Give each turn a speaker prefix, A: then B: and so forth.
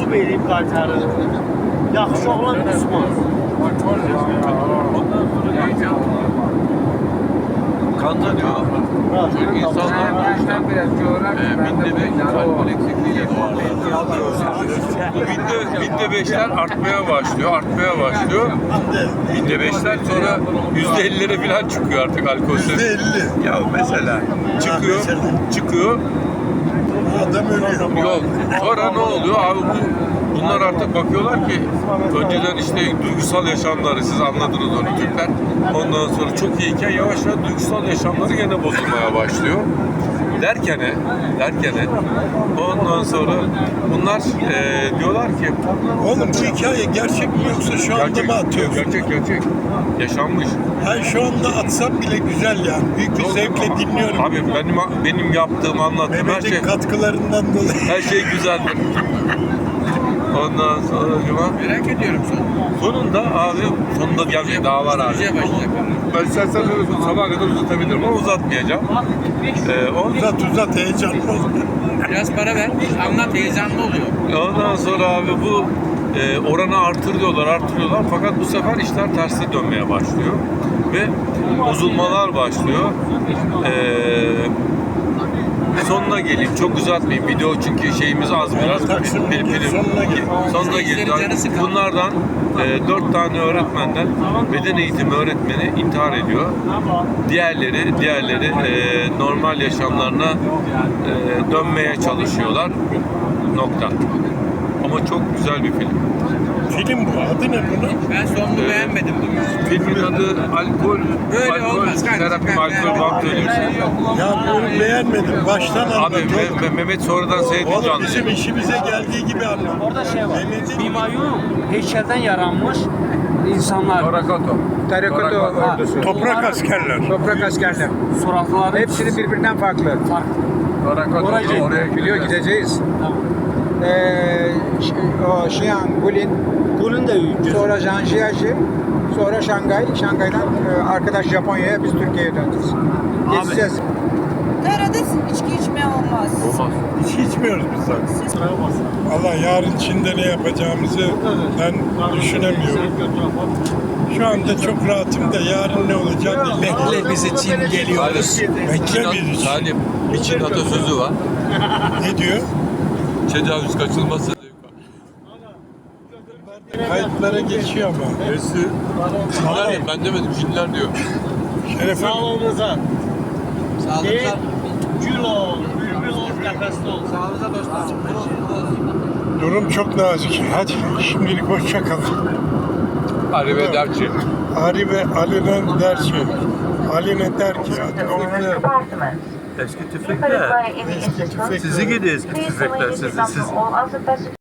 A: məhv edib qaytarır. Yaxşı oğlan düşmez.
B: Kanza diyor. Çünkü insanlar binde 5 alkol eksikliğiyle binde 5'ler artmaya başlıyor. Binde 5'ler sonra %50'lere falan çıkıyor artık alkol seviyesi.
C: %50.
B: Ya mesela çıkıyor.
C: Adam ölüyor.
B: Yok. Sonra ne oluyor abi bunlar artık bakıyorlar ki önceden işte duygusal yaşamları siz anladınız onu Türkler. Ondan sonra çok iyiyken yavaş yavaş duygusal yaşamları yine bozulmaya başlıyor. Derken ondan sonra bunlar diyorlar ki
C: Oğlum bu hikaye gerçek mi yoksa şu anda mı atıyorsun?
B: Gerçek. Yaşanmış.
C: Ben şu anda atsam bile güzel yani. Büyük bir zevkle dinliyorum.
B: Abi benim yaptığım, anlattığım her
C: Mehmet'in
B: şey
C: katkılarından dolayı.
B: her şey güzeldir. Ondan sonra merak ediyorum sonunda abi gelmeye daha var abi. Ben istersen sabaha kadar uzatabilirim ama uzatmayacağım.
C: Uzat heyecanlı ol.
D: Biraz para ver, anlat, heyecanlı oluyor.
B: Ondan sonra abi bu oranı artırıyorlar fakat bu sefer işler terse dönmeye başlıyor ve bozulmalar başlıyor. Sonuna geleyim, çok uzatmayayım. Video çünkü şeyimiz az biraz. Sonuna geleyim. Bunlardan 4 tane öğretmenden beden eğitimi öğretmeni intihar ediyor. Diğerleri normal yaşamlarına dönmeye çalışıyorlar. Nokta. Ama çok güzel bir film.
C: Film bu. Adı ne bunun?
D: Ben sonunu beğenmedim bugün.
B: Filmin adı
D: Böyle olmaz kardeşim.
B: terapi, alkol vampirliği.
C: Ya bunu beğenmedim. Baştan anlat.
B: Abi Mehmet sonradan seyredince
C: Oğlum
B: anlıyor.
C: bizim işimize geldiği gibi anlat.
A: Orada şey var.
C: Mehmet'in
A: Humayun heykelden yaranmış insanlar.
E: Terrakotta ordusu.
C: toprak askerler.
E: Toprak askerler.
A: Suratları
E: Hepsini birbirinden farklı.
A: farklı.
E: Oraya biliyor gideceğiz. O Xi'an, Gulin de sonra Zhangjiajie, sonra Şangay. Şangay'dan arkadaş Japonya'ya, biz Türkiye'ye döneceğiz. Geçeceğiz.
F: Nerede içki içmeye olmaz.
C: Hiç içmiyoruz biz zaten. Allah yarın Çin'de ne yapacağımızı ben düşünemiyorum. Şu anda çok rahatım da yarın ne olacak bilmiyorum.
E: Bekle bizi Çin geliyoruz.
C: Bekle bizi.
B: Salim, bir Çin atasözü var.
C: Ne diyor?
B: Tecavüz kaçınılmazsa
C: Kayıtlara geçiyor ama.
B: Çinler ben demedim, Çinler diyor.
C: Şerefe
A: Sağlığınıza.
D: Sağlıklar.
A: Gül ol, bülbül ol, nefesli ol.
D: Sağlığınıza dostlar.
C: durum çok nazik. Hadi şimdilik hoşça kalın.
B: Arrivederci.
C: Ari ve Ali'nin der ki. Ali ne der ki?
B: Eski tüfekler. Sizi gidi eski tüfekler sizi.